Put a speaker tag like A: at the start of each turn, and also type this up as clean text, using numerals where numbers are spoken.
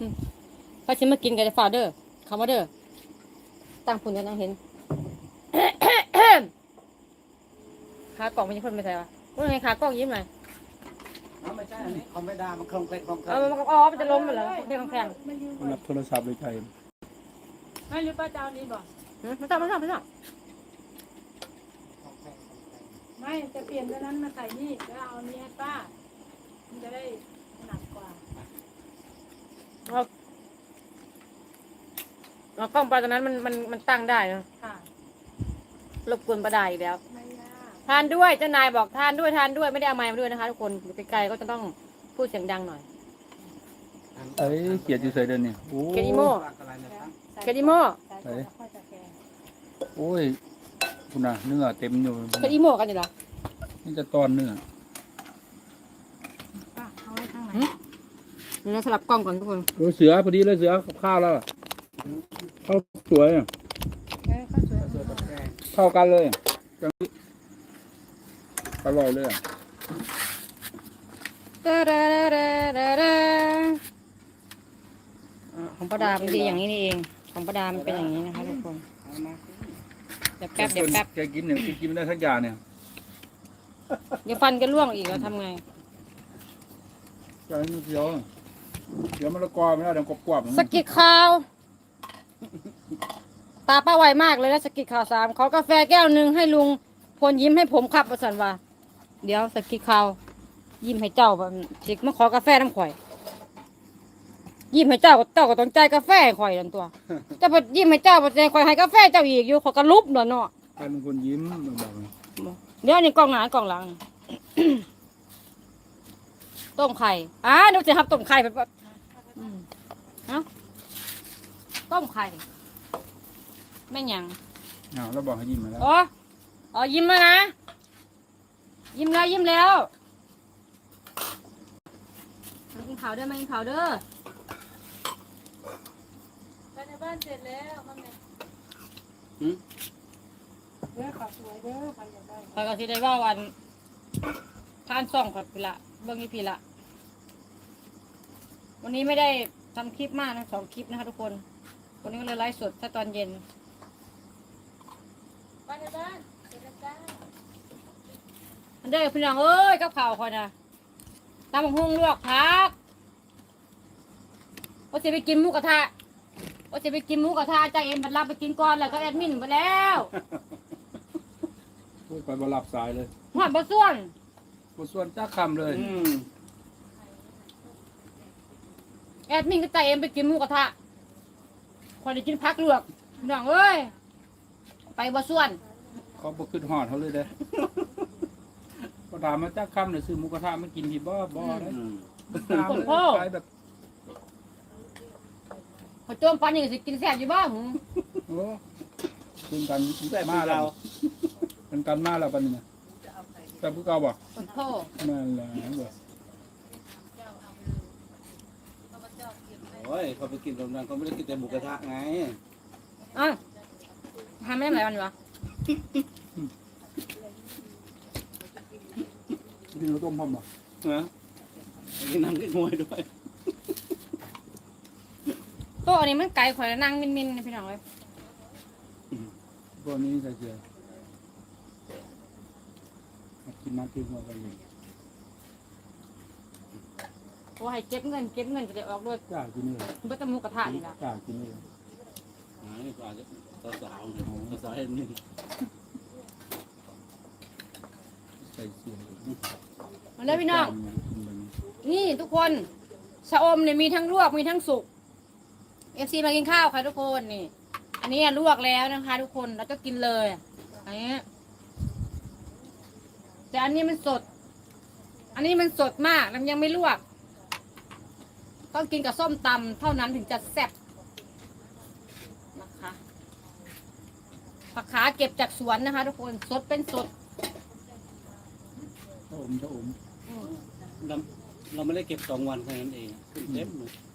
A: พอชิมมากินกันจะฝ่าเด้อคำว่าเด้อตั้งผุนกันยังเห็น ขากล่องมันยังคนไม่ใช่ปะว่าไงขากล่องยิ้มหน่อย
B: ไม่ใช่อันนี้เขาไม่ได้มันคล่องแคล่งคล่องแคล่
A: มันก็มันจะล้มไปแล้วเรื่องแข็ง
C: รับโทรศัพท์เลยใจ
D: ไม่หรือป้าเจ้านี้บอก
A: ไม่ต้อง
D: ไม่จะเปลี่ยนตัวนั้นมาใส่นี่แล้วเอานี้ให้ป้ามันจะได้หนักกว่า
A: เรากล้องไปตอนนั้นมันตั้งได้นะ
D: ค่ะ
A: รบกวนประดาอีกแล้ว
D: ไม่ยาก
A: ทานด้วยเจ้านายบอกทานด้วยไม่ได้เอาไม้มาด้วยนะคะทุกคนอยู่ไกลๆก็จะต้องพูดเสียงดังหน่อย
C: เอ้ยเกียดอยู่ใส่เดินเนี่ยโอ้
A: เกดิโม
B: อะไรนะครับ
A: เกดิโม
D: ใส่ก่อนแล้วค่อยจะแกง
C: โอ้ยคุณน่ะเนื้อเต็มอยู่
A: เกดิโมกันอยู่เหรอ
C: นี่จะตอนเนื้อ
D: ป้าเอาไว้ข้างไหน
A: เดี๋ยวเราสลับกล้องก่อนทุกคน
C: โอ้เสือพอดีเลยเสือกับข้าวแล้วข้าวสวยอะ
D: ก็สวย
B: เสือกับแกง
C: เข้ากันเลยจังนี้อร่อยเลยอะ
A: ของประดาเป็นดีอย่างนี้นี่เองของประดามันเป็นอย่างนี้นะคะทุกคน
B: เอามา
A: เดี๋ยวแป๊บเดี๋ยวแป๊บ
C: แกกินเนี่ยกินไม่ได้ทั้งอย่างเนี่ย
A: เดี๋ยวฟันก็ร่วงอีกเราทำไง
C: ใจมันเสียวเดี๋ยวมะละกอไม่ได้เดี๋ยวกรอบๆ
A: สกิดข่าว ตาป้าไวมากเลยนะสกิดข่าว3ขอกาแฟแก้วหนึ่งให้ลุงพลยิ้มให้ผมครับประสันว่าเดี๋ยวสกิดข่าวยิ้มให้เจ้าแบบสิมาขอกาแฟน้ำข่อย ยิ้มให้เจ้าก็ต้องใจายกาแฟให้ข่อยนั่นตัวเจ้าบ่ยิ้มให้เจ้าบ่ใจายข่อยให้กาแฟเจ้าอีกอยู่ขอยก็ลุบเนาะเนาะ
C: ใครเป็นคนยิ้มบอกเลย
A: เดี๋ยวนี่กล่องหน้ากล่องหลัง ต้มไข่เดี๋ยวจะทับต้มไข่ไปแบบเอ้าต้มไข่แม่นหยัง
C: อ้าวแล้วบอกให้ยิ้มมาแล้ว
A: อ๋อยิ้มแล้วนะยิ้มแล้วมากินข้าวเด้อมากินข้าวเด้อ
D: ไปในบ้านเสร็จแล้วข้างในเด้อขอสวยเด้อใครอยากได้
A: ข้อยก็สิได้ว่าวันทานซ่องผัดพิละเบิ่งอีพีละ วันนี้ไม่ได้ทำคลิปมากนะ2 คลิปนะคะทุกคน วันนี้ก็เลยไลฟ์สดแค่ตอนเย็น
D: ไปในบ้านเสร็จแล้วจ้า
A: อันเด้อพี่น้องเอ้ยกับข่าวคอยนะตำบักหุ่งลวกผักว่าจะไปกินหมูกระทะจ้าเอ็มบัดรับไปกินก่อนแล้วก็แอดมินไปแล้ว
C: พูดไปบรับสายเลย
A: หอดบะส่วน
C: บทส่วนจ้าคำเลย
A: แอดมินก็จ่าเอ็มไปกินหมูกระทะคอยได้กินผักลวกพี่น้องเอ้ยไปบะส่วน
C: เขาบอกขึ้นหอดเขาเลยเด้พอถามมาจ้าคำเลยซื้อหมูกระทะมากินที่บ่เลยถามเลยขายแบบ
A: พอโจมปันนี่ก็สิกินแซ่บอยู่บ้าง
C: โอ้คุณกันมาแล้วกันมาแล้วปันนี่นะแต่ผู้เก่าบอก
A: ขอโทษ
C: นั่นแหละบอก
B: โอ้ยเขาไปกินตรงนั้นเขาไม่ได้กินแต่หมูกระทะไง
A: ทำไม่ได้หลายวันวะ
C: กินข้าวต้มพร้อมบ่
B: นะกินน้ำกินมวยด้วย
A: โต๊ะอันนี้มันไก่ข่อยแล้วนั่งมินๆนะพี่น้องเลย
C: พวกนี้ใส่เกลือกินน้ำกินหัวกันเลย
A: โอ้ให้เก็บเงินจะได้ออกด้วย
C: กล้ากินเลย
A: เบื่อแตหมูกระทะนี่ละ
C: กล้ากินเลย
B: นี่ก็อาจจะสาวๆเห็นนี่
C: ใส่เสียง
A: มาเลยพี่น้อง นี่ทุกคนชะอมเนี่ยมีทั้งลวกมีทั้งสุก FC มากินข้าวค่ะทุกคนนี่ อันนี้ลวกแล้วนะคะ ทุกคนแล้วก็กินเลยอันนี้แต่อันนี้มันสด อันนี้มันสดมากมันยังไม่ลวก ต้องกินกับส้มตำเท่านั้นถึงจะแซ่บนะคะผักขาเก็บจากสวนนะคะ ทุกคนสดเป็นสด
C: ถ้าอม
B: เราไม่ได้เก็บ2 วันแค่นั้นเองขึ้นเต็มเลย